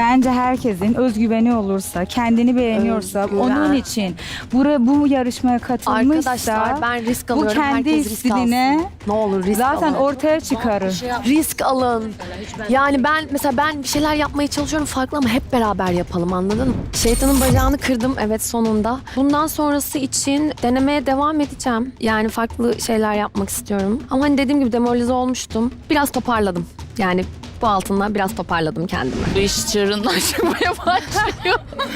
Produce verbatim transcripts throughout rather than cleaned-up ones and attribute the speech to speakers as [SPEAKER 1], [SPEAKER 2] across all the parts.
[SPEAKER 1] bence herkesin özgüveni olursa, kendini beğeniyorsa,
[SPEAKER 2] Özgüven.
[SPEAKER 1] onun için buraya bu yarışmaya katılmışsa
[SPEAKER 2] Arkadaşlar ben risk
[SPEAKER 1] bu
[SPEAKER 2] alıyorum.
[SPEAKER 1] kendi
[SPEAKER 2] Herkes risk
[SPEAKER 1] stiline
[SPEAKER 2] alsın. Ne olur risk
[SPEAKER 1] zaten
[SPEAKER 2] alın.
[SPEAKER 1] ortaya çıkarır.
[SPEAKER 2] Risk alın. Yani ben mesela ben bir şeyler yapmaya çalışıyorum farklı ama hep beraber yapalım, anladın mı? Şeytanın bacağını kırdım evet sonunda. Bundan sonrası için denemeye devam edeceğim. Yani farklı şeyler yapmak istiyorum. Ama hani dediğim gibi demoralize olmuştum. Biraz toparladım. Yani bu altından biraz toparladım kendimi.
[SPEAKER 3] Bu iş çığırından çıkmaya başlıyor.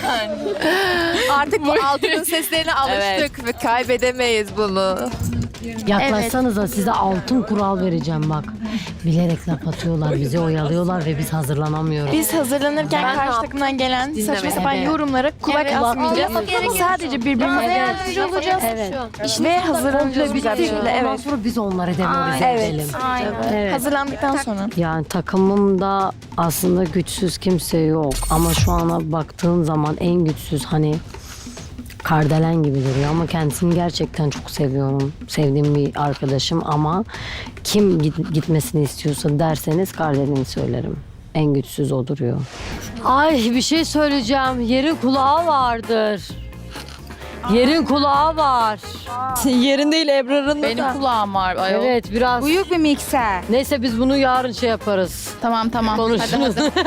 [SPEAKER 4] Artık bu altının seslerine alıştık ve kaybedemeyiz bunu.
[SPEAKER 5] Yaklaşsanıza size altın kural vereceğim bak. Bilerek laf atıyorlar, bizi oyalıyorlar ve biz hazırlanamıyoruz.
[SPEAKER 6] Biz hazırlanırken
[SPEAKER 2] Ben
[SPEAKER 6] karşı
[SPEAKER 2] ne
[SPEAKER 6] takımdan gelen
[SPEAKER 2] Dinleme.
[SPEAKER 6] saçma sapan
[SPEAKER 5] Evet.
[SPEAKER 6] yorumlara kulak
[SPEAKER 5] Evet.
[SPEAKER 6] asmayacağız.
[SPEAKER 5] Kulak
[SPEAKER 6] Sadece birbirimize yardımcı olacağız.
[SPEAKER 5] Evet.
[SPEAKER 6] Ve hazırlanacağız
[SPEAKER 5] Komple
[SPEAKER 6] güzel bir
[SPEAKER 5] bitti.
[SPEAKER 6] şekilde.
[SPEAKER 5] Ondan
[SPEAKER 6] Evet.
[SPEAKER 5] sonra biz onları demoralize
[SPEAKER 6] Evet.
[SPEAKER 5] edelim.
[SPEAKER 6] Aynen.
[SPEAKER 5] Evet.
[SPEAKER 6] Hazırlandıktan sonra.
[SPEAKER 5] Yani takımımda aslında güçsüz kimse yok. Ama şu ana baktığım zaman en güçsüz hani Kardelen gibi duruyor ama kendisini gerçekten çok seviyorum. Sevdiğim bir arkadaşım ama kim git- gitmesini istiyorsa derseniz Kardelen'i söylerim. En güçsüz o duruyor. Ay bir şey söyleyeceğim. Yerin kulağı vardır. Yerin kulağı var.
[SPEAKER 3] Yerin değil Ebrar'ın Benim kulağım var. Ayol.
[SPEAKER 5] Evet biraz.
[SPEAKER 1] Büyük bir mikser.
[SPEAKER 5] Neyse biz bunu yarın şey yaparız.
[SPEAKER 3] Tamam tamam. Hadi,
[SPEAKER 5] Konuşuruz.
[SPEAKER 3] hadi.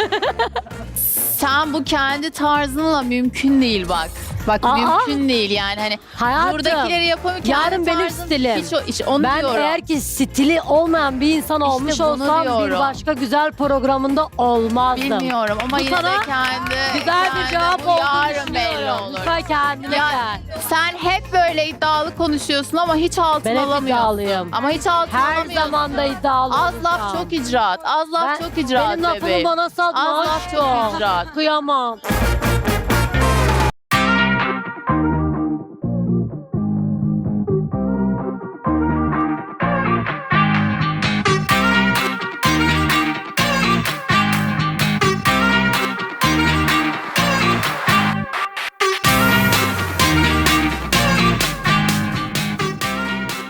[SPEAKER 3] Sen bu kendi tarzınla mümkün değil bak. Bak
[SPEAKER 5] Aa.
[SPEAKER 3] mümkün değil yani hani
[SPEAKER 5] Hayatım.
[SPEAKER 3] buradakileri yapamıyor.
[SPEAKER 5] Yarın benim
[SPEAKER 3] tarzın
[SPEAKER 5] stilim.
[SPEAKER 3] Hiç o, işte onu
[SPEAKER 5] Ben
[SPEAKER 3] diyorum.
[SPEAKER 5] eğer ki stili olmayan bir insan olmuş
[SPEAKER 3] bunu
[SPEAKER 5] olsam bir
[SPEAKER 3] diyorum.
[SPEAKER 5] başka güzel programında olmazdım.
[SPEAKER 3] Bilmiyorum ama
[SPEAKER 5] Bu
[SPEAKER 3] yine de
[SPEAKER 5] sana
[SPEAKER 3] kendi
[SPEAKER 5] Güzel bir
[SPEAKER 3] kendi-
[SPEAKER 5] cevap
[SPEAKER 3] bu
[SPEAKER 5] olduğunu
[SPEAKER 3] yarın belli
[SPEAKER 5] düşünüyorum.
[SPEAKER 3] olur.
[SPEAKER 5] Lütfen kendine
[SPEAKER 3] Ya,
[SPEAKER 5] gel.
[SPEAKER 3] sen hep böyle iddialı konuşuyorsun ama hiç altın
[SPEAKER 5] Ben hep
[SPEAKER 3] alamıyorsun.
[SPEAKER 5] iddialıyım.
[SPEAKER 3] Ama hiç altın
[SPEAKER 5] Her
[SPEAKER 3] alamıyorsun.
[SPEAKER 5] zaman da iddialı
[SPEAKER 3] Az laf
[SPEAKER 5] olacağım.
[SPEAKER 3] çok icraat. Az laf
[SPEAKER 5] Ben-
[SPEAKER 3] çok icraat
[SPEAKER 5] Benim lafımı
[SPEAKER 3] bebeğim.
[SPEAKER 5] bana satma
[SPEAKER 3] Az laf çok
[SPEAKER 5] aşkım.
[SPEAKER 3] icraat.
[SPEAKER 5] Kıyamam.